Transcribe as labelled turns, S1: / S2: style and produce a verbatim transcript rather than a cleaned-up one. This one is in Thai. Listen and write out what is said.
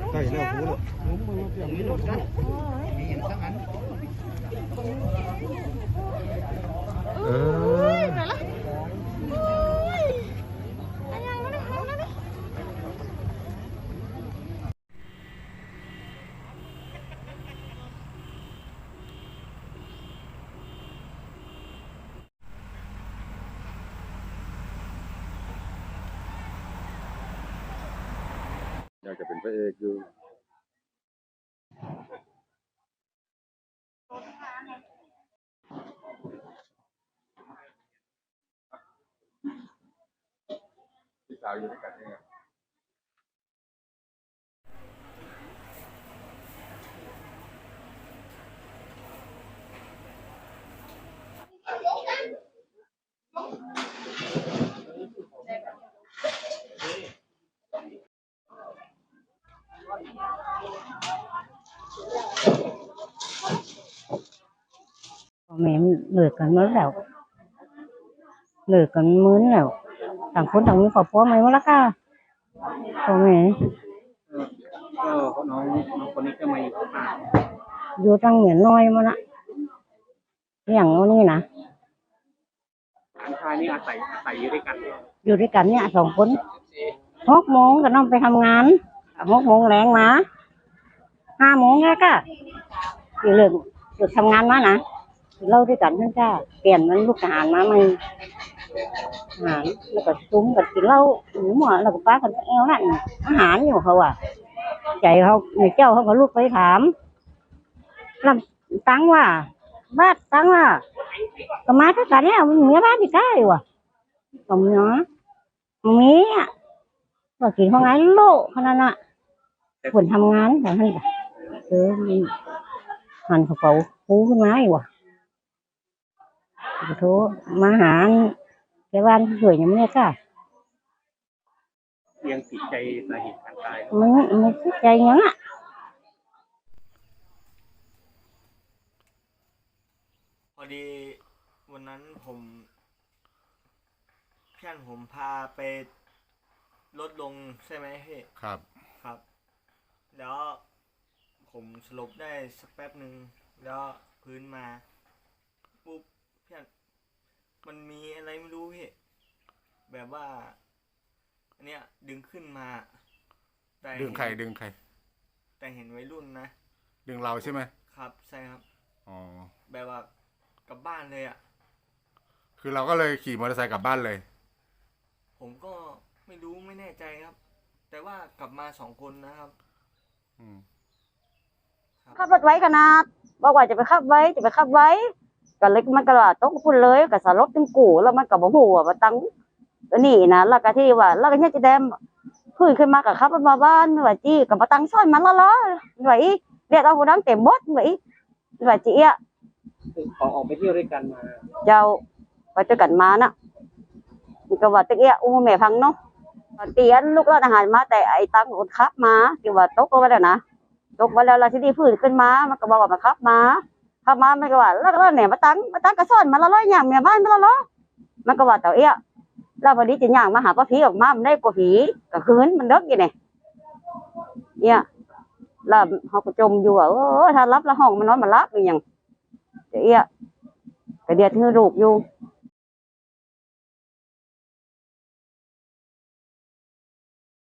S1: ใกล้แล้วหูแล้วมีรถกันมีอย่างสักอันเออไปละอยากจะเป็นพระเอกอยู่พี่สาวอยู่ด้วยกันเนี่ย
S2: แม่เลิกกันเมื่อแล้วเลิกกันมื้อแล้วต่างคนต่างมีครอบครัวใหม่หมดแล้วค่ะพ่อแม่
S1: ก็น้องน้องคนนี้ก็มาอยู่ที่บ้าน
S2: อยู่ตั้งเหมือนน้อยมาละอย่างโน้นนี่นะ
S1: หลานชายนี่อาศัยอาศัยอยู่ด้วยกัน
S2: อยู่ด้วยกันเนี่ยสองคนหกโมงก็ต้องไปทำงานหกโมงแรงมาห้าโมงแล้วก็อยู่เลิกเลิกทำงานมานะเล่าด้วยกันทั้งจ้าเปลี่ยนมันลูกทหารมาใหม่อาหารแล้วก็ซุ้มกับกินเหล้าหมูหมอแล้วก็ป้ากันเอวนั่นอาหารอยู่เขาอ่ะใจเขาในเจ้าเขาก็ลูกไปถามลำตังว่าบ้านตังว่าก็มาทั้งกันเนี่ยมันมีบ้านที่ใกล้ว่ะก็มีเนาะมีอ่ะก็กินของไงโลขนาดน่ะคนทำงานแต่ให้เออหันกระเป๋าปูขึ้นมาอีกว่ะโทรมาหาแกบ้านสวยยังไม่ได้ค่ะ
S1: ยังติดใจสาเหตุการตาย
S2: มันมันติดใจยังอ่ะ
S3: พอดีวันนั้นผมเพื่อนผมพาไปลดลงใช่ไหมพี่
S1: ครับ
S3: ครับ แล้วผมสลบได้สักแป๊บหนึ่งแล้วพื้นมาปุ๊บเพื่อนมันมีอะไรไม่รู้พี่แบบว่าอันเนี้ยดึงขึ้นมา
S4: ดึงใครดึงใคร
S3: แต่เห็นวัยรุ่นนะ
S4: ดึงเราใช่ไหม
S3: ครับใช่ครับ
S4: อ๋อ
S3: แบบว่ากลับบ้านเลยอ่ะ
S4: คือเราก็เลยขี่มอเตอร์ไซค์กลับบ้านเลย
S3: ผมก็ไม่รู้ไม่แน่ใจครับแต่ว่ากลับมาสองคนนะครับ
S4: อืม
S2: ขับรถไว้ขนาดบอกว่าจะไปขับไว้จะไปขับไว้ก็เลยมันก็ว่าต้องพูดเลยก็สารบตึงกูแล้วมันก็บ่ฮู้ว่าตั้งนี่นะแล้วก็ที่ว่าแล้วก็เนี่ยจะแดมพื้นขึ้นมากับขับมาบ้านว่าจี้กับมาตั้งซ้อนมันละล้อไว้เรียกเอาผู้นั้นเต็มบดไว้ว่าจี้อ่ะ
S1: ขอออกไปเที่ยวด้วยกันมา
S2: เจ้าไปด้วยกันมาน่ะมันก็ว่าตะเกียอุ้มแม่พังเนาะเตียนลูกเราทหารมาแต่ไอ้ตังคนขับมาที่ว่าตกลงไปแล้วนะตกมาแล้วเราที่นี่พื้นขึ้นมามันก็บอกว่ามาขับมาขับมามันก็ว่าแล้วก็เนี่ยมาตั้งมาตั้งกระซ้อนมาละล้ออย่างเมียบ้านมาละล้อมันก็ว่าเต่าเอี้ยแล้วพอดีจะย่างมาหาป้าผีออกมามันได้กว่าผีก็คืนมันเลิกอยู่เนี่ยเนี่ยแล้วเขาก็จมอยู่ว่าเออถ้ารับละห้องมันนอนมารับอย่างเอี้ยก็เดียดทื่อลูกอยู่